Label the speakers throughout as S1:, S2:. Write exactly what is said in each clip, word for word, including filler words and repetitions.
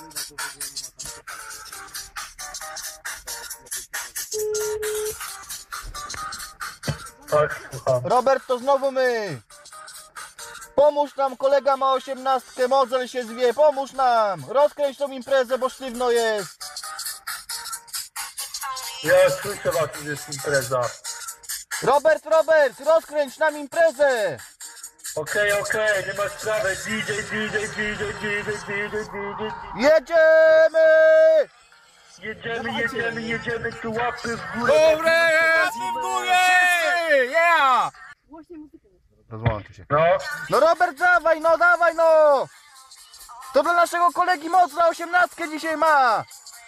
S1: Tak, słucham.
S2: Robert, to znowu my. Pomóż nam, kolega ma osiemnastkę, modzel się zwie, pomóż nam. Rozkręć tą imprezę, bo sztywno jest.
S1: Ja słyszę was, że jest impreza.
S2: Robert, Robert, rozkręć nam imprezę.
S1: Okej, okej, nie ma sprawy. D J, D J, D J, D J, D J, D J.
S2: Jedziemy!
S1: Jedziemy, jedziemy, jedziemy, tu łapy w górę.
S3: Dobre, łapy w górę! Yeah!
S2: Rozłączy się.
S1: No,
S2: No Robert, dawaj, no dawaj, no! To dla naszego kolegi Mocla osiemnastkę dzisiaj ma!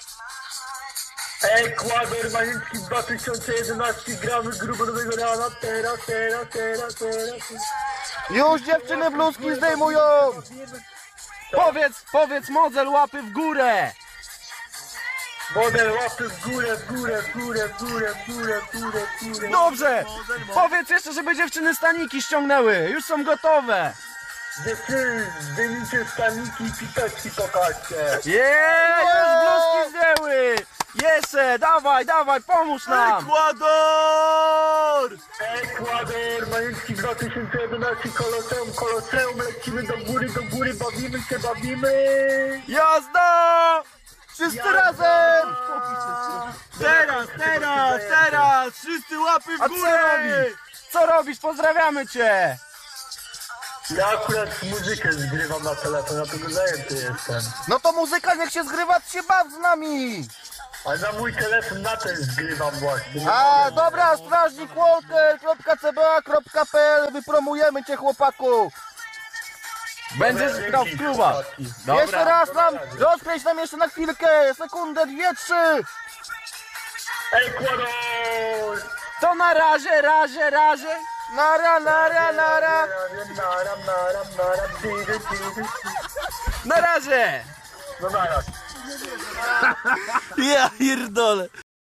S1: Ekwador, Majewski dwa tysiące jedenaście, gramy grubo nowego rana, teraz, teraz, teraz, teraz.
S2: Już dziewczyny bluzki zdejmują!
S3: Powiedz, powiedz model łapy w górę!
S1: Model łapy w górę, w górę, w górę, w górę, w górę, w górę, w górę.
S3: Dobrze! Powiedz jeszcze, żeby dziewczyny staniki ściągnęły, już są gotowe!
S1: Dziewczyny, zdejmijcie staniki i pipeczki pokażcie.
S3: Yeah, już bluzki zdjęły! Jeszcze, dawaj, dawaj, pomóż nam!
S2: Ekwador!
S1: Ekwador, Majewski dwa tysiące jedenaście, Koloseum, Koloseum, lecimy do góry, do góry, bawimy się, bawimy.
S3: Jazda!
S2: Wszyscy
S1: Ja-
S2: razem!
S3: Teraz, teraz, teraz! Wszyscy łapy w
S2: A co
S3: górę!
S2: robisz?
S3: Co robisz? Pozdrawiamy cię!
S1: Ja akurat muzykę zgrywam na telefon, dlatego zajęty jestem.
S2: No to muzyka niech się zgrywa, ty się baw z nami!
S1: Ale na mój telefon na ten zgrywam właśnie.
S2: A, dobra, strażnik walker kropka c b a kropka p l, wypromujemy cię, chłopaku!
S3: Będziesz
S1: Dobra,
S3: grał w
S1: dzięki,
S3: klubach!
S1: chłopaki.
S3: Dobra.
S2: Jeszcze raz nam, rozkręć nam jeszcze na chwilkę, sekundę, dwie, trzy!
S1: Ekwador!
S3: To na razie, razie, razie!
S2: Nara, nara, nara!
S1: Naram, naram, naram, di, di, di, di.
S3: Na razie!
S1: No zaraz.
S3: Ja pierdolę!